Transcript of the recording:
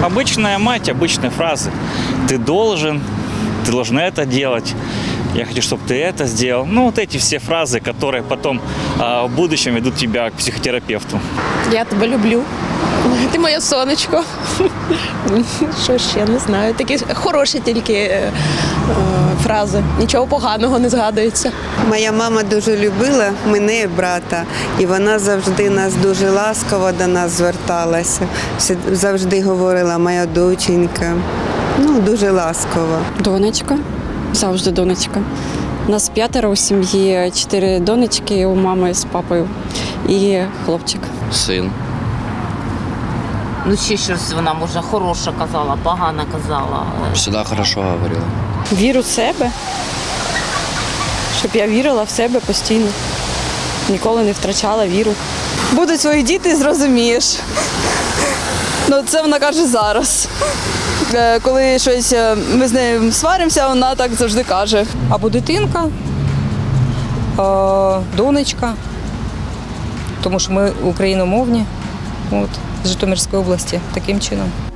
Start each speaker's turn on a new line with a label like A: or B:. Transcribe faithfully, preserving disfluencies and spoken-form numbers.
A: Обычная мать, обычные фразы. Ты должен, ты должна это делать. Я хочу, чтобы ты это сделал. Ну, вот эти все фразы, которые потом а, в будущем ведут тебя к психотерапевту.
B: Я тебе люблю. Ти моє сонечко. Що ще, не знаю. Такі хороші тільки е, фрази. Нічого поганого не згадується.
C: Моя мама дуже любила мене і брата, і вона завжди нас дуже ласково до нас зверталася. Завжди говорила моя доченька. Ну, дуже ласково.
D: Донечка, завжди донечка. Нас п'ятеро у сім'ї, чотири донечки у мами з папою і хлопчик.
E: Син.
F: Ну, ще щось вона, може, хороше казала, погано казала.
E: Всегда хорошо говорила.
D: Віру в себе, щоб я вірила в себе постійно. Ніколи не втрачала віру.
G: Будуть свої діти, зрозумієш. Ну, це вона каже зараз. Е, Коли щось е, ми з нею сваримося, вона так завжди каже.
H: Або дитинка, а, донечка, тому що ми україномовні, от, з Житомирської області, таким чином.